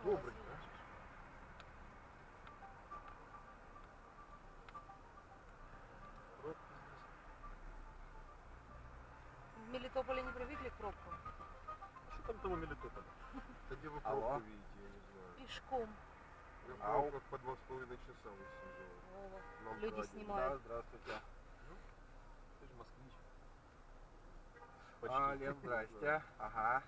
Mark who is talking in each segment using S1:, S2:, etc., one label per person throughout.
S1: Добрый.
S2: В Мелитополе не привыкли к пробкам?
S1: Что там у Мелитополя?
S3: Да где вы пробку видите, я не знаю.
S2: Пешком.
S3: Я в пробках по 2,5 часа высиживал.
S2: Вова. Люди снимают.
S4: Да, здравствуйте.
S1: Ты же москвич.
S4: Лев, здрасте. Ага.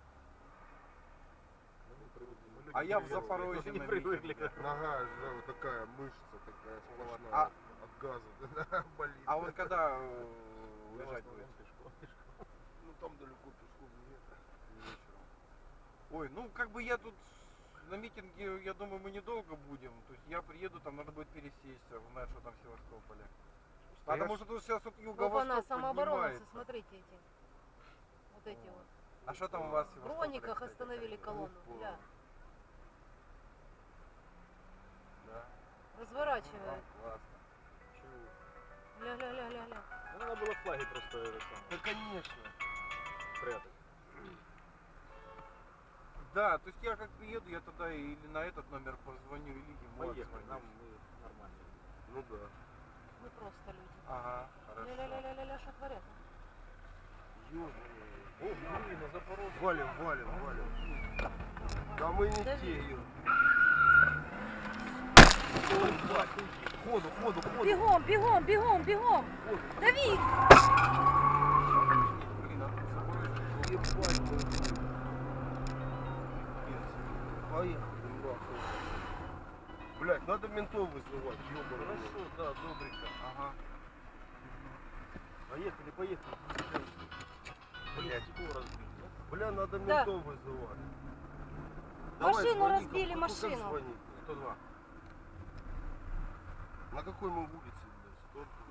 S1: А
S4: я в Запорожье
S1: не
S4: на
S1: привыкли.
S4: митинге.
S3: Нога, да, вот такая мышца, такая сплошная. От газа болит.
S4: А вот когда уезжать будет?
S3: Ну там далеко пешком нет. Вечером.
S4: Ой, ну как бы я тут на митинге, я думаю, мы недолго будем. То есть я приеду, там надо будет пересесть, узнать, что там в Севастополе. Потому что тут сейчас вот юго-восток
S2: самооборонцы,
S4: поднимается.
S2: смотрите эти. Вот эти вот.
S4: А что там у вас в
S2: В
S4: Севастополе?
S2: Брониках
S4: кстати,
S2: остановили
S4: такое?
S2: колонну. Гля.
S4: Да.
S2: Разворачивают.
S4: Классно.
S2: Ля-ля-ля-ля-ля.
S1: Ну, надо было флаги просто это самое,
S3: Да конечно.
S1: прятать.
S4: Да, то есть я как приеду, я тогда или на этот номер позвоню, или ему
S1: Поехали,
S4: отзвоню.
S1: нам мы нормально.
S3: Ну да.
S2: Мы просто люди.
S4: Ага, хорошо.
S2: Ля-ля-ля-ля-ля, что творят?
S1: О, блин, на Запорожье.
S3: Валим. Да мы не
S2: Дави.
S3: те, Юр. Ходу.
S2: Бегом, бегом, бегом, бегом! Дави!
S4: Блин, а Запорожье.
S3: Ебать. Поехали, нахуй. Блять, надо ментов вызывать, ёбаный.
S1: Хорошо, да, добренько.
S4: Ага.
S1: Поехали. Блять, стекло разбили.
S3: Бля, надо
S2: Да.
S3: ментов вызывать.
S2: Машину
S3: звони,
S2: разбили,
S3: как
S2: машину.
S3: звонить?
S4: 102.
S3: На какой мы улице, блядь?